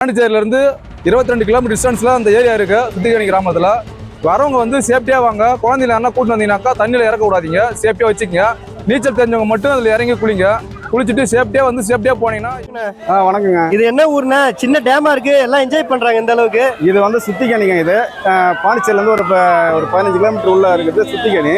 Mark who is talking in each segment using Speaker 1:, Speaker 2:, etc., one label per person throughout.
Speaker 1: பாண்டிச்சேரியிலேருந்து 22 kilometre டிஸ்டன்ஸில் அந்த area இருக்குது. சுத்திகரணி கிராமத்தில் வரவங்க வந்து சேஃப்டியாக வாங்க. குழந்தைல யாரா கூட்டு வந்தீங்கன்னாக்கா தண்ணியில் இறக்க விடாதீங்க, சேஃப்டியாக வச்சுக்கங்க. நீச்சல் தெரிஞ்சவங்க மட்டும் அதில் இறங்கி குளிங்க. குளிச்சுட்டு சேஃப்டியாக போனீங்கன்னா.
Speaker 2: வணக்கங்க.
Speaker 3: இது என்ன ஊர்னா? சின்ன டேமா இருக்கு, எல்லாம் என்ஜாய் பண்றாங்க இந்த அளவுக்கு.
Speaker 2: இது வந்து சுத்திகணிங்க. இது பாண்டிச்சேரியிலேருந்து ஒரு 15 கிலோமீட்டர் உள்ள இருக்குது சுத்திகணி.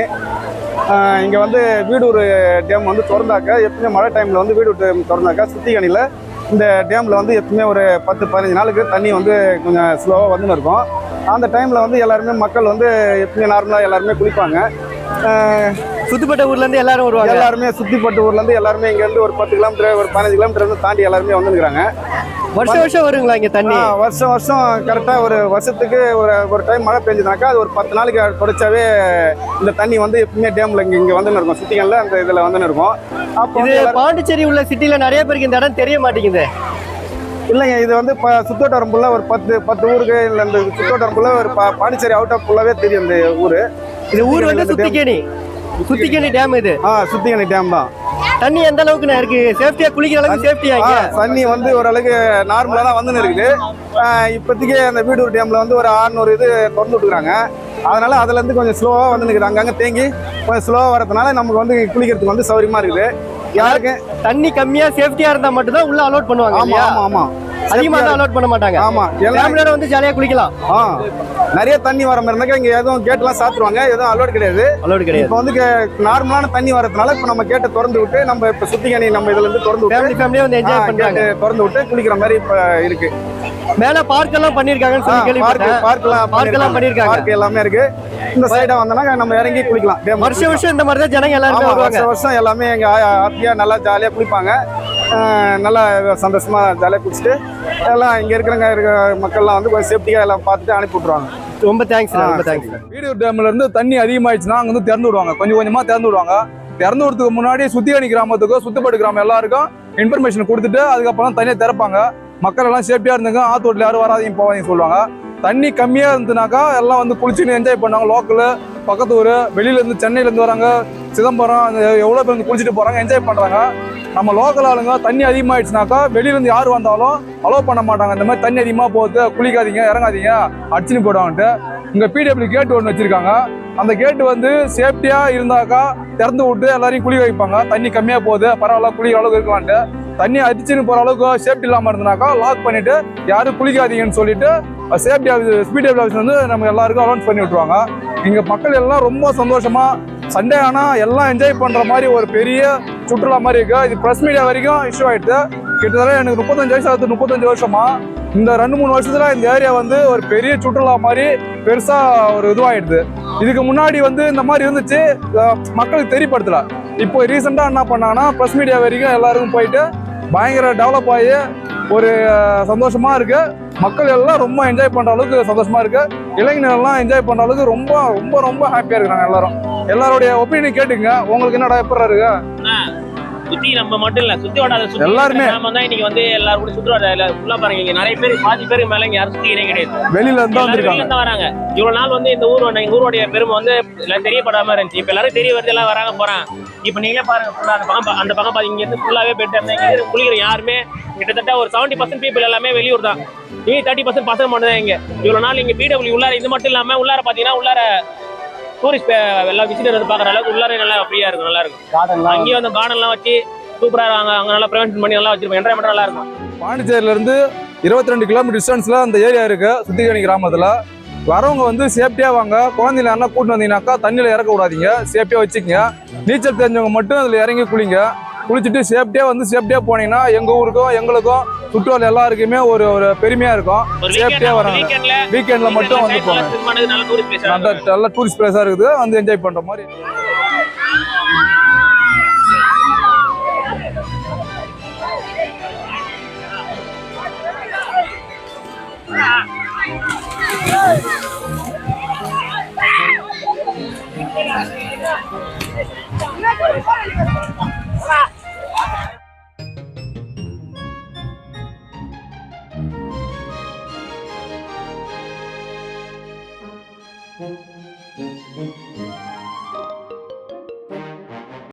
Speaker 2: இங்கே வந்து வீடூர் டேம் வந்து திறந்தாக்க, எப்பவுமே மழை டைமில் வந்து வீடூர் டேம் திறந்தாக்கா சுத்திகணியில் இந்த டேமில் வந்து எப்பவுமே ஒரு 10-15 நாளுக்கு தண்ணி வந்து கொஞ்சம் ஸ்லோவாக வந்துன்னு இருக்கும். அந்த டைமில் வந்து எல்லாருமே மக்கள் வந்து எப்பவுமே நார்மலாக எல்லாருமே குளிப்பாங்க.
Speaker 3: சுத்திப்பட்ட ஊர்லேருந்து எல்லாரும் வருவாங்க.
Speaker 2: எல்லாருமே சுத்திப்பட்ட ஊர்லேருந்து எல்லாருமே இங்கேருந்து ஒரு 10 கிலோமீட்டர் ஒரு 15 கிலோமீட்டர் வந்து தாண்டி எல்லாருமே வந்துருக்குறாங்க.
Speaker 3: வருஷம் வருங்களா இங்கே தண்ணி?
Speaker 2: வருஷம் கரெக்டாக ஒரு வருஷத்துக்கு ஒரு டைம் மழை பெஞ்சதுனாக்கா அது ஒரு 10 நாளைக்கு தொடச்சாவே இந்த தண்ணி வந்து எப்பவுமே டேமில் இங்கே வந்துன்னு இருக்கும். சுத்திகளில் அந்த இதில் வந்துன்னு இருக்கும். அப்போ
Speaker 3: பாண்டிச்சேரி உள்ள சிட்டியில் நிறைய பேருக்கு இந்த இடம் தெரிய மாட்டேங்குது.
Speaker 2: இல்லைங்க, இது வந்து சுத்தோட்டரம்புள்ள ஒரு 10 ஊருக்கு இல்லை, இந்த சுத்தோட்டரம்புள்ள ஒரு பாண்டிச்சேரி அவுட் ஆஃப் ஃபுல்லாகவே தெரியும் இந்த ஊர்.
Speaker 3: இது ஊர் வந்து சுத்திகணி டேம். இது
Speaker 2: சுத்திகணி டேம் தான்.
Speaker 3: தண்ணி எந்த அளவுக்கு இருக்கு? சேஃப்டியா குளிக்கிற அளவுக்கு சேஃப்டியா?
Speaker 2: தண்ணி வந்து ஓரளவுக்கு நார்மலாக தான் வந்துன்னு இருக்குது. இப்போதைக்கு அந்த வீடூர் டேமில் வந்து ஒரு 600 இது திறந்து விட்டுருக்காங்க. அதனால அதுலேருந்து கொஞ்சம் ஸ்லோவாக வந்து நிற்குது. அங்கங்கே தேங்கி கொஞ்சம் ஸ்லோவாக வரதுனால நமக்கு வந்து குளிக்கிறதுக்கு வந்து சௌரியமாக இருக்குது. யாருக்கு
Speaker 3: தண்ணி கம்மியா சேஃப்டியா இருந்தா மட்டும் தான் உள்ள அலோட் பண்ணுவாங்க.
Speaker 2: ஆமா
Speaker 3: அதிகமா தான் அலோட் பண்ண மாட்டாங்க.
Speaker 2: ஆமா,
Speaker 3: எல்லாரும் வந்து ஜாலியா குளிக்கலாம்.
Speaker 2: நிறைய தண்ணி வர மாதிரி இருந்தாக்கா இங்க எதுவும் கேட்லாம் சாத்துருவாங்க, எதுவும் அலோட் கிடையாது. இப்போ வந்து நார்மலான தண்ணி வரதுனால இப்போ நம்ம கேட்டை திறந்து விட்டு நம்ம இப்போ சுத்திகணி நம்ம இதுல இருந்து திறந்து விட்டு
Speaker 3: ஃபேமிலியா வந்து என்ஜாய் பண்றாங்க.
Speaker 2: திறந்து விட்டு குளிக்கிற மாதிரி இப்போ இருக்கு.
Speaker 3: மேல பார்க் எல்லாம் பண்ணிருக்காங்கன்னு சொல்லி கேள்விப்பட்டேன். பார்க் பண்ணிருக்காங்க.
Speaker 2: பார்க் எல்லாமே இருக்கு. இந்த சைடா வந்தனா நம்ம இறங்கி குளிக்கலாம்.
Speaker 3: வருஷம் இந்த மாதிரி தான் ஜனங்க எல்லாரும் வருவாங்க.
Speaker 2: வருஷம் எல்லாமே எங்க ஹாப்பியா நல்லா ஜாலியா குளிப்பாங்க. நல்லா சந்தோஷமா ஜாலியா குளிச்சுட்டு எல்லாம் இங்க இருக்கிற மக்கள்லாம் வந்து கொஞ்சம் சேஃப்டியா எல்லாம் பார்த்துட்டு அனுப்பி விட்டுருவாங்க.
Speaker 3: ரொம்ப தேங்க்ஸ். ரொம்ப தேங்க்ஸ்.
Speaker 1: வீடூர் டேம்ல இருந்து தண்ணி அதிகமாயிடுச்சுன்னா அங்க வந்து திறந்து விடுவாங்க. கொஞ்சம் கொஞ்சமா திறந்து விடுவாங்க. திறந்து விடுறதுக்கு முன்னாடி சுத்திகணி கிராமத்துக்கும் சுத்துப்பட்டு கிராமம் எல்லாருக்கும் இன்ஃபர்மேஷன் கொடுத்துட்டு அதுக்கப்புறம் தண்ணியை திறப்பாங்க. மக்கள் எல்லாம் சேஃப்டியா இருந்துங்க, ஆத்தோட்டில் யாரும் வராதையும் போவாதீங்க சொல்லுவாங்க. தண்ணி கம்மியா இருந்துனாக்கா எல்லாம் வந்து குளிச்சுன்னு என்ஜாய் பண்ணாங்க. லோக்கலு, பக்கத்து ஊர், வெளியில இருந்து சென்னையில இருந்து வராங்க, சிதம்பரம், எவ்வளவு பேர் வந்து குளிச்சுட்டு போறாங்க, என்ஜாய் பண்றாங்க. நம்ம லோக்கல் ஆளுங்க தண்ணி அதிகமாயிடுச்சுனாக்கா வெளியில இருந்து யார் வந்தாலும் அலோவ் பண்ண மாட்டாங்க. இந்த மாதிரி தண்ணி அதிகமா போகுது, குளிக்காதீங்க, இறங்காதீங்க, அடிச்சுன்னு போயிடுவாங்கன்ட்டு. இங்க பிடபிள்யூ கேட் ஒன்று வச்சிருக்காங்க. அந்த கேட்டு வந்து சேஃப்டியா இருந்தாக்கா திறந்து விட்டு எல்லாரையும் குளிக்க வைப்பாங்க. தண்ணி கம்மியா போகுது, பரவாயில்ல, குளிக்கிற அளவுக்கு இருக்கலான்ட்டு. தண்ணி அடிச்சுன்னு போற அளவுக்கு சேஃப்டி இல்லாம இருந்தாக்கா லாக் பண்ணிட்டு யாரும் குளிக்காதீங்கன்னு சொல்லிட்டு சேஃப்டி ஆஃபீஸ் பிடபிள்யூ ஆஃபீஸ் வந்து நம்ம எல்லாருக்கும் அலௌன்ஸ் பண்ணி விட்டுருவாங்க. இங்க மக்கள் எல்லாம் ரொம்ப சந்தோஷமா சண்டே ஆனா எல்லாம் என்ஜாய் பண்ற மாதிரி ஒரு பெரிய சுற்றுலா மாதிரி இருக்கு. இது பிரஸ் மீடியா வரைக்கும் இஷ்யூ ஆயிடுது. கிட்டத்தட்ட எனக்கு 35 வயசு ஆகுது. 35 வருஷமா இந்த 2-3 வருஷத்துல இந்த ஏரியா வந்து ஒரு பெரிய சுற்றுலா மாதிரி பெருசா ஒரு இதுவாயிடுது. இதுக்கு முன்னாடி வந்து இந்த மாதிரி இருந்துச்சு, மக்களுக்கு தெரியப்படுத்தல. இப்போ ரீசெண்டா என்ன பண்ணாங்கன்னா பிரஸ் மீடியா வரைக்கும் எல்லாருக்கும் போயிட்டு பயங்கர டெவலப் ஆகி ஒரு சந்தோஷமா இருக்கு. மக்கள் எல்லாம் ரொம்ப என்ஜாய் பண்ற அளவுக்கு சந்தோஷமா இருக்கு. இளைஞர்கள் எல்லாம் என்ஜாய் பண்ற அளவுக்கு ரொம்ப ரொம்ப ரொம்ப ஹாப்பியா இருக்காங்க எல்லாரும். எல்லாருடைய ஒப்பீனியன் கேட்டுங்க. உங்களுக்கு என்னடா எப்படி இருக்கு?
Speaker 4: சுத்தி நம்ம மட்டும் இல்ல, சுத்தி வட்டாத
Speaker 1: எல்லாருமே
Speaker 4: நாம தான் இன்னைக்கு வந்து எல்லாரும் கூட சுத்தி வட்டாத ஃபுல்லா பாருங்க. இங்க நிறைய பேர், பாதி பேருக்கு மேல இங்க யாரும் சுத்திக்கிறே கிடையாது.
Speaker 1: வெளியில இருந்து
Speaker 4: வராங்க. இவ்வளவு நாள் வந்து இந்த ஊர் எங்க ஊருடைய பெருமை வந்து எல்லாம் தெரியப்படாம இருந்துச்சு. இப்ப எல்லாரும் தெரிய வருது, எல்லாம் வராங்க போறாங்க. இப்ப நீங்களே பாருங்க, ஃபுல்லா அந்த பக்கம் பாத்தீங்க, இங்க இருந்து ஃபுல்லாவே பெட் இருந்தாங்க. குளிக்கிற யாருமே கிட்டத்தட்ட ஒரு 70% பீப்புள் எல்லாமே வெளியூர் தான். 30% பசங்க மட்டும் தான் இங்க. இவ்வளவு நாள் இங்க பிடபிள்யூ உள்ளார இது மட்டும் இல்லாம உள்ளார பாத்தீங்கன்னா உள்ளார டூரிஸ்ட் எல்லாம் விசிட்டர் வந்து பாக்குற அளவுக்கு உள்ளார நல்லா ஃப்ரீயா இருக்கும், நல்லா இருக்கும். அங்கேயும் அந்த கார்டன்லாம் வச்சு சூப்பரா இருக்காங்க. அங்க நல்லா ப்ரிவென்ஷன் பண்ணி நல்லா வச்சிருப்போம். என்ஜாய்மெண்ட் நல்லா இருக்கும்.
Speaker 1: பாண்டிச்சேரியில இருந்து 22 கிலோமீட்டர் டிஸ்டன்ஸ்ல அந்த ஏரியா இருக்கு. சுத்திகணி கிராமத்துல வரவங்க வந்து சேஃப்டியா வாங்க. குழந்தைல யாரா கூட்டு வந்தீங்கன்னாக்கா தண்ணியில இறக்க விடாதீங்க, சேஃப்டியா வச்சுக்கங்க. நீச்சல் தெரிஞ்சவங்க மட்டும் அதுல இறங்கி குளிங்க. குளிச்சுட்டு சேஃப்டியா போனீங்கன்னா எங்க ஊருக்கும் எங்களுக்கும் சுற்றுலா எல்லாருக்குமே ஒரு பெருமையா இருக்கும். சேஃப்டியா வராங்க. வீக்கெண்ட்ல மட்டும் வந்து போங்க. நல்ல டூரிஸ்ட் பிளேஸா இருக்குது, வந்து என்ஜாய் பண்ற மாதிரி.